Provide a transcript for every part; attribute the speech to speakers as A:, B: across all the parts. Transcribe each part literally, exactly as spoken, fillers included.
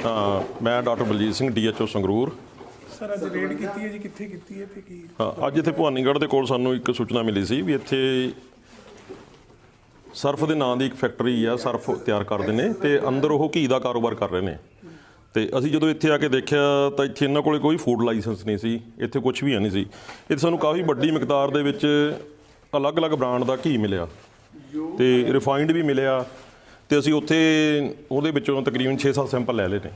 A: ਹਾਂ ਮੈਂ doctor Baljit Singh D H O Sangrur.
B: Sir ਅੱਜ ਰੇਡ ਕੀਤੀ ਹੈ ਜੀ, ਕਿੱਥੇ ਕੀਤੀ ਹੈ ਤੇ ਕੀ?
A: ਹਾਂ ਅੱਜ ਇੱਥੇ ਭਵਾਨੀਗੜ੍ਹ ਦੇ ਕੋਲ ਸਾਨੂੰ ਇੱਕ ਸੂਚਨਾ ਮਿਲੀ ਸੀ ਵੀ ਇੱਥੇ ਸਰਫ ਦੇ ਨਾਂ ਦੀ ਇੱਕ ਫੈਕਟਰੀ ਆ, ਸਰਫ ਤਿਆਰ ਕਰਦੇ ਨੇ ਤੇ ਅੰਦਰ ਉਹ ਘੀ ਦਾ ਕਾਰੋਬਾਰ ਕਰ ਰਹੇ ਨੇ। ਤੇ ਅਸੀਂ ਜਦੋਂ ਇੱਥੇ ਆ ਕੇ ਦੇਖਿਆ ਤਾਂ ਇੱਥੇ ਇਹਨਾਂ ਕੋਲ ਕੋਈ ਫੂਡ ਲਾਇਸੈਂਸ ਨਹੀਂ ਸੀ, ਇੱਥੇ ਕੁਝ ਵੀ ਹੈ ਨਹੀਂ ਸੀ। ਇੱਥੇ ਸਾਨੂੰ ਕਾਫੀ ਵੱਡੀ ਮਿਕਦਾਰ ਦੇ ਵਿੱਚ ਅਲੱਗ-ਅਲੱਗ ਬ੍ਰਾਂਡ ਦਾ ਘੀ ਮਿਲਿਆ ਤੇ ਰਿਫਾਈਨਡ ਵੀ ਮਿਲਿਆ ਤੇ ਅਸੀਂ ਉੱਥੇ ਉਹਦੇ ਵਿੱਚੋਂ ਤਕਰੀਬਨ ਛੇ ਸੱਤ ਸੈਂਪਲ ਲੈ ਲਏ ਨੇ।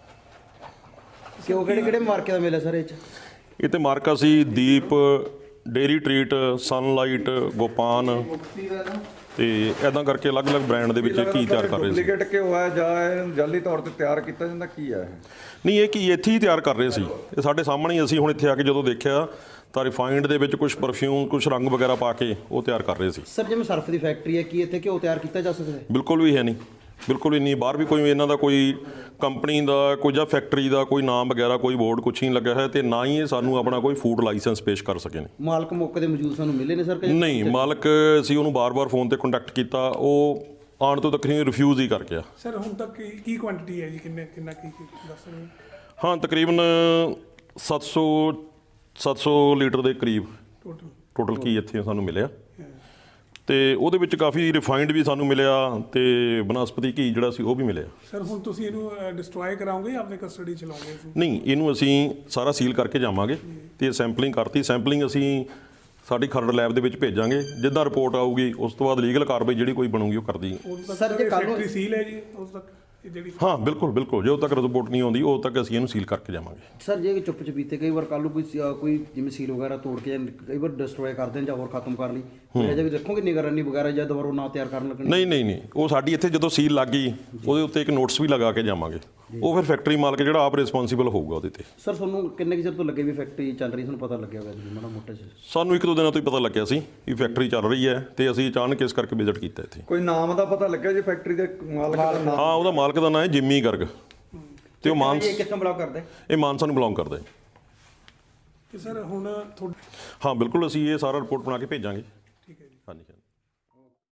C: ਕਿਉਂ ਕਿਹੜੇ ਕਿਹੜੇ ਮਾਰਕੇ ਦਾ ਮਿਲਿਆ ਸਰ ਇਹ 'ਚ?
A: ਇਹ ਤੇ ਮਾਰਕਾ ਸੀ ਦੀਪ, ਡੇਰੀ ਟਰੀਟ, ਸਨਲਾਈਟ, ਗੋਪਾਨ ਤੇ ਇਦਾਂ ਕਰਕੇ ਅਲੱਗ-ਅਲੱਗ ਬ੍ਰਾਂਡ ਦੇ ਵਿੱਚ ਘੀ ਤਿਆਰ ਕਰ ਰਹੇ ਸੀ।
D: ਡੁਪਲੀਕੇਟ ਘਿਓ ਹੈ ਜਾਂ ਇਹ ਜਾਲੀ ਤੌਰ ਤੇ ਤਿਆਰ ਕੀਤਾ ਜਾਂਦਾ ਕੀ ਹੈ ਇਹ?
A: ਨਹੀਂ, ਇਹ ਘੀ ਇੱਥੇ ਹੀ ਤਿਆਰ ਕਰ ਰਹੇ ਸੀ, ਇਹ ਸਾਡੇ ਸਾਹਮਣੇ ਹੀ। ਅਸੀਂ ਹੁਣ ਇੱਥੇ ਆ ਕੇ ਜਦੋਂ ਦੇਖਿਆ ਤਾਂ ਰਿਫਾਈਨਡ ਦੇ ਵਿੱਚ ਕੁਝ ਪਰਫਿਊਮ, ਕੁਝ ਰੰਗ ਵਗੈਰਾ ਪਾ ਕੇ ਉਹ ਤਿਆਰ ਕਰ ਰਹੇ ਸੀ।
C: ਸਰ ਜਿਵੇਂ ਸਰਫ ਦੀ ਫੈਕਟਰੀ ਹੈ, ਕੀ ਇੱਥੇ ਘਿਓ ਤਿਆਰ ਕੀਤਾ ਜਾ ਸਕਦਾ ਹੈ?
A: ਬਿਲਕੁਲ ਵੀ ਹੈ ਨਹੀਂ, ਬਿਲਕੁਲ ਵੀ ਨਹੀਂ। ਬਾਹਰ ਵੀ ਕੋਈ ਇਹਨਾਂ ਦਾ ਕੋਈ ਕੰਪਨੀ ਦਾ ਕੋਈ ਜਾਂ ਫੈਕਟਰੀ ਦਾ ਕੋਈ ਨਾਮ ਵਗੈਰਾ ਕੋਈ ਬੋਰਡ ਕੁਛ ਨਹੀਂ ਲੱਗਿਆ ਹੈ ਤੇ ਨਾ ਹੀ ਇਹ ਸਾਨੂੰ ਆਪਣਾ ਕੋਈ ਫੂਡ ਲਾਇਸੈਂਸ ਪੇਸ਼ ਕਰ ਸਕੇ ਨੇ।
C: ਮਾਲਕ ਮੌਕੇ ਦੇ ਮੌਜੂਦ ਸਾਨੂੰ ਮਿਲੇ ਨੇ ਸਰ?
A: ਨਹੀਂ, ਮਾਲਕ ਅਸੀਂ ਉਹਨੂੰ ਬਾਰ-ਬਾਰ ਫੋਨ ਤੇ ਕੰਟੈਕਟ ਕੀਤਾ, ਉਹ ਆਉਣ ਤੋਂ ਤਕਰੀਬਨ ਰਿਫਿਊਜ਼ ਹੀ ਕਰ ਗਿਆ।
B: ਸਰ ਹੁਣ ਤੱਕ ਕੀ ਕੀ ਕੁਆਂਟੀਟੀ ਹੈ ਜੀ, ਕਿੰਨੇ ਕਿੰਨਾ ਕੀ ਦੱਸ ਸਕਦੇ?
A: ਹਾਂ ਤਕਰੀਬਨ ਸੱਤ ਸੌ ਸੱਤ ਸੌ ਲੀਟਰ ਦੇ ਕਰੀਬ
B: ਟੋਟਲ
A: ਟੋਟਲ ਕੀ ਇੱਥੇ ਸਾਨੂੰ ਮਿਲਿਆ ਤੇ ਉਹਦੇ ਵਿੱਚ ਕਾਫੀ ਰਿਫਾਈਨਡ ਵੀ ਸਾਨੂੰ ਮਿਲਿਆ ਤੇ ਬਨਸਪਤੀ ਘੀ ਜਿਹੜਾ ਸੀ ਉਹ ਵੀ ਮਿਲਿਆ।
B: ਸਰ ਹੁਣ ਤੁਸੀਂ ਇਹਨੂੰ ਡਿਸਟਰੋਏ ਕਰਾਓਗੇ ਜਾਂ ਆਪਣੇ ਕਸਟਡੀ ਚ ਲਾਓਗੇ?
A: ਨਹੀਂ, ਇਹਨੂੰ ਅਸੀਂ ਸਾਰਾ ਸੀਲ ਕਰਕੇ ਜਾਵਾਂਗੇ ਤੇ ਸੈਂਪਲਿੰਗ ਕਰਤੀ। ਸੈਂਪਲਿੰਗ ਅਸੀਂ ਸਾਡੀ ਖਰੜ ਲੈਬ ਦੇ ਵਿੱਚ ਭੇਜਾਂਗੇ, ਜਿੱਦਾਂ ਰਿਪੋਰਟ ਆਊਗੀ ਉਸ ਤੋਂ ਬਾਅਦ ਲੀਗਲ ਕਾਰਵਾਈ ਜਿਹੜੀ ਕੋਈ ਬਣੂਗੀ ਉਹ ਕਰਦੀ।
B: ਸਰ ਜੇ ਫੈਕਟਰੀ ਸੀਲ ਹੈ ਜੀ ਉਸ ਤੱਕ ਇਹ ਜਿਹੜੀ?
A: ਹਾਂ ਬਿਲਕੁਲ ਬਿਲਕੁਲ, ਜਦੋਂ ਤੱਕ ਰਿਪੋਰਟ ਨਹੀਂ ਆਉਂਦੀ ਉਦੋਂ ਤੱਕ ਅਸੀਂ ਇਹਨੂੰ ਸੀਲ ਕਰਕੇ ਜਾਵਾਂਗੇ।
C: ਸਰ ਜੇ ਚੁੱਪ ਚਪੀਤੇ ਕਈ ਵਾਰ ਕੱਲ੍ਹ ਨੂੰ ਕੋਈ ਕੋਈ ਜਿਵੇਂ ਸੀਲ ਵਗੈਰਾ ਤੋੜ ਕੇ ਜਾਂ ਕਈ ਵਾਰ ਡਿਸਟਰੋਏ ਕਰ ਦੇਣ ਜਾਂ ਹੋਰ ਖਤਮ ਕਰ ਲਈ, ਇਹ ਜੇ ਵੀ ਦੇਖੋਗੇ ਨਿਗਰਾਨੀ ਵਗੈਰਾ ਜਾਂ ਦੁਬਾਰਾ ਨਾ ਤਿਆਰ ਕਰਨ ਲੱਗਣ?
A: ਨਹੀਂ ਨਹੀਂ ਨਹੀਂ, ਉਹ ਸਾਡੀ ਇੱਥੇ ਜਦੋਂ ਸੀਲ ਲੱਗ ਗਈ ਉਹਦੇ ਉੱਤੇ ਇੱਕ ਨੋਟਿਸ ਵੀ ਲਗਾ ਕੇ ਜਾਵਾਂਗੇ। ਉਹ ਫਿਰ ਫੈਕਟਰੀ ਮਾਲਕ ਜਿਹੜਾ ਆਪ ਰਿਸਪੌਂਸੀਬਲ ਹੋਊਗਾ ਉਹਦੇ ਤੇ।
C: ਸਰ ਤੁਹਾਨੂੰ ਕਿੰਨੇ ਕੁ ਚਿਰ ਤੋਂ ਲੱਗੇ ਵੀ ਫੈਕਟਰੀ ਚੱਲ ਰਹੀ, ਤੁਹਾਨੂੰ ਪਤਾ ਲੱਗਿਆ ਹੋਇਆ ਜੀ ਮਾੜਾ ਮੋਟਾ?
A: ਸਾਨੂੰ ਇੱਕ ਦੋ ਦਿਨਾਂ ਤੋਂ ਹੀ ਪਤਾ ਲੱਗਿਆ ਸੀ ਵੀ ਫੈਕਟਰੀ ਚੱਲ ਰਹੀ ਹੈ ਤੇ ਅਸੀਂ ਅਚਾਨਕ ਇਸ ਕਰਕੇ ਵਿਜ਼ਿਟ ਕੀਤਾ ਇੱਥੇ।
D: ਕੋਈ ਨਾਮ ਦਾ ਪਤਾ ਲੱਗਿਆ ਜੀ ਫੈਕਟਰੀ ਦੇ ਮਾਲਕ ਦਾ ਨਾਮ?
A: ਹਾਂ, ਉਹਦਾ ਮਾਲਕ ਦਾ ਨਾਮ ਹੈ ਜਿੰਮੀ ਗਰਗ ਤੇ ਉਹ ਮਾਨਸ,
C: ਇਹ ਕਿੱਥੋਂ ਬਿਲੋਂਗ ਕਰਦਾ?
A: ਇਹ ਮਾਨਸਾ ਨੂੰ ਬਿਲੋਂਗ ਕਰਦਾ ਹੈ।
B: ਤੇ ਸਰ ਹੁਣ ਤੁਹਾਡੇ?
A: ਹਾਂ ਬਿਲਕੁਲ, ਅਸੀਂ ਇਹ ਸਾਰਾ ਰਿਪੋਰਟ ਬਣਾ ਕੇ ਭੇਜਾਂਗੇ।
B: ਠੀਕ ਹੈ ਜੀ।
A: ਹਾਂਜੀ ਹਾਂਜੀ।